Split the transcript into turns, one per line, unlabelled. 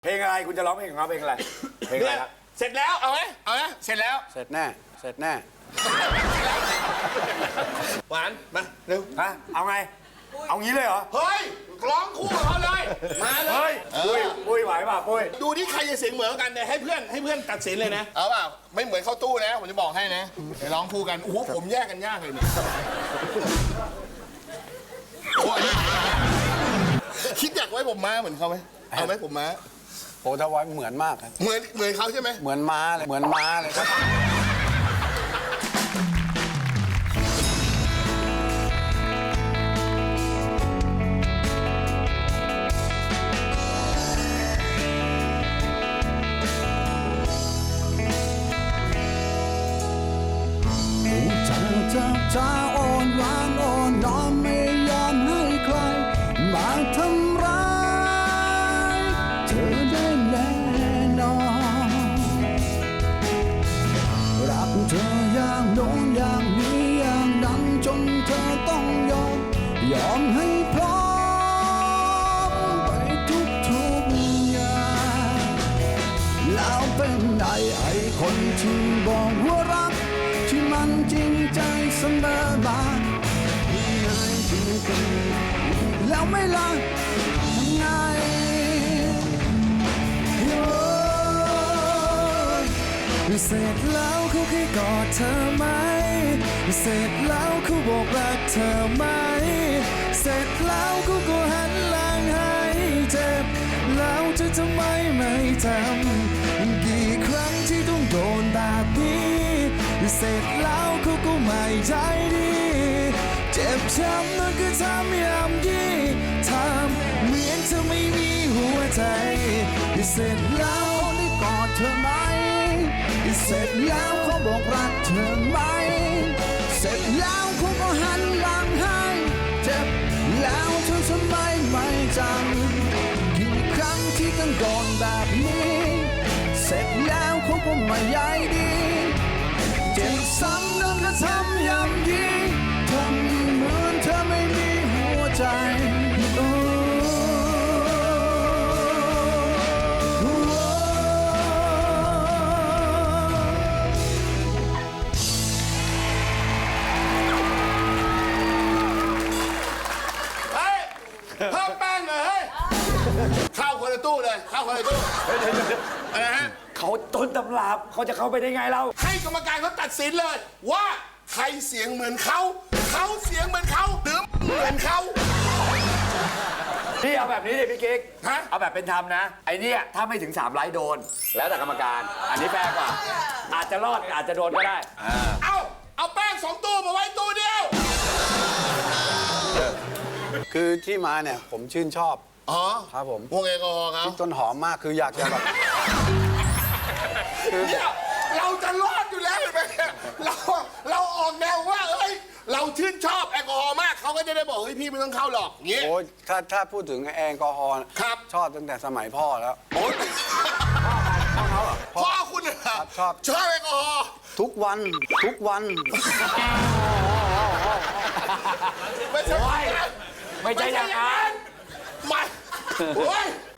เพลงอะไรคุณจะร้องเพลงของเขาเพลงอะไรเพลงอะไรครับ
เสร็จแล้วเอาไหมเสร็จแล้ว
เสร็จแน่เสร็จแน่
หวานมาเร็ว
ฮะเอาไงเอางี้เลยเหรอ
เฮ้ยร้องคู่กับเขาเลยมาเล
เฮ้
ย
ยปุ้ยไหวป่ะปุ้ย
ดูที่ใครจะเสียงเหมือนกันเนี่ยให้เพื่อนตัดสินเลยนะเอาเปล่าไม่เหมือนเข้าตู้นะผมจะบอกให้นะเดี๋ยวร้องคู่กันโอ้โหผมแยกกันยากเลยเนี่ยคิดอยากไว้ผมม้าเหมือนเขาไหมเอาไหมผมม้า
โอ้ถ้าไว้เหมือนมากครับ
เหมือนเขาใช่ไหม
เหมือนม้าเลยเหมือนม้าเลยครับจะอ่อนหวานอ่อนน้อมไม่ยอมให้ใครมาทำร้ายเธอได้แน่นอนรักเธออย่างโน้นอย่างนี้อย่างนั้นจนเธอต้องยอมให้พร้อมไปทุกอย่างแล้วเป็นไงไอ้คนที่บอกว่ารักที่มันจริงใจเสมอมาง่ายจริงๆแล้วไม่ละทำไงเสร็จแล้วเขาเคยกอดเธอไหมเสร็จแล้วเขาบอกรักเธอไหมเสร็จแล้วเขาก็หันหลังให้เจ็บแล้วจะทำไมไม่ทำกี่ครั้งที่ต้องโดนแบบนี้เสร็จแล้วเขาก็ไม่ใจดีเจ็บช้ำนั่นก็ทำยำยี่ทำเหมือนเธอไม่มีหัวใจเสร็จแล้วได้กอดเธอไหมเสร็จแล้วเขาบอกรักเธอไหมเสร็จแล้วเขาก็หันหลังให้เจ็บแล้วเธอทำไมไม่จำกี่ครั้งที่ต้องโดนแบบนี้เสร็จแล้วเขาก็ไม่ใยดีเจ็บซ้ำนั่นก็ทำอย่างดีทำเหมือนเธอไม่มีหัวใจ
เพิ่มแป้งเลยเฮ้ยเข้าคนละตู้เลยเข้าคนละตู้อะไรฮะ
เขาต้นตำรับเขาจะเข้าไปได้ไงเรา
ให้กรรมการเขาตัดสินเลยว่าใครเสียงเหมือนเขาเสียงเหมือนเขาหรือเหมือนเขา
พี่เอาแบบนี้ดิพี่กิ๊ก
ฮะ
เอาแบบเป็นธรรมนะไอ้นี่ถ้าไม่ถึง3 ไลค์โดนแล้วแต่กรรมการอันนี้แฟร์กว่าอาจจะรอดอาจจะโดนก็ได้
เอาแป้ง2 ตู้มาไว้ตู้เดียว
คือที่มาเนี่ยผมชื่นชอบครับผม
วงแอลกอฮอล์ครับ
ต้นหอมมากคืออยากจะแบบ
เราจะรอดอยู่แล้วเห็นไหมเราออกแนวว่าเอ้ยเราชื่นชอบแอลกอฮอล์มากเขาก็จะได้บอกเฮ้ยพี่ไม่ต้องเข้าหรอกเงี้ย
โอ้ยถ้าพูดถึงแอลกอฮอล์
ครับ
ชอบตั้งแต่สมัยพ่อแล้ว
โอ้ยพ่อคุณเหรอ
ชอบ
แอลกอฮอล์
ทุกวัน
ไม่ใช่
อย่างนั้น
ไม่โอ้ย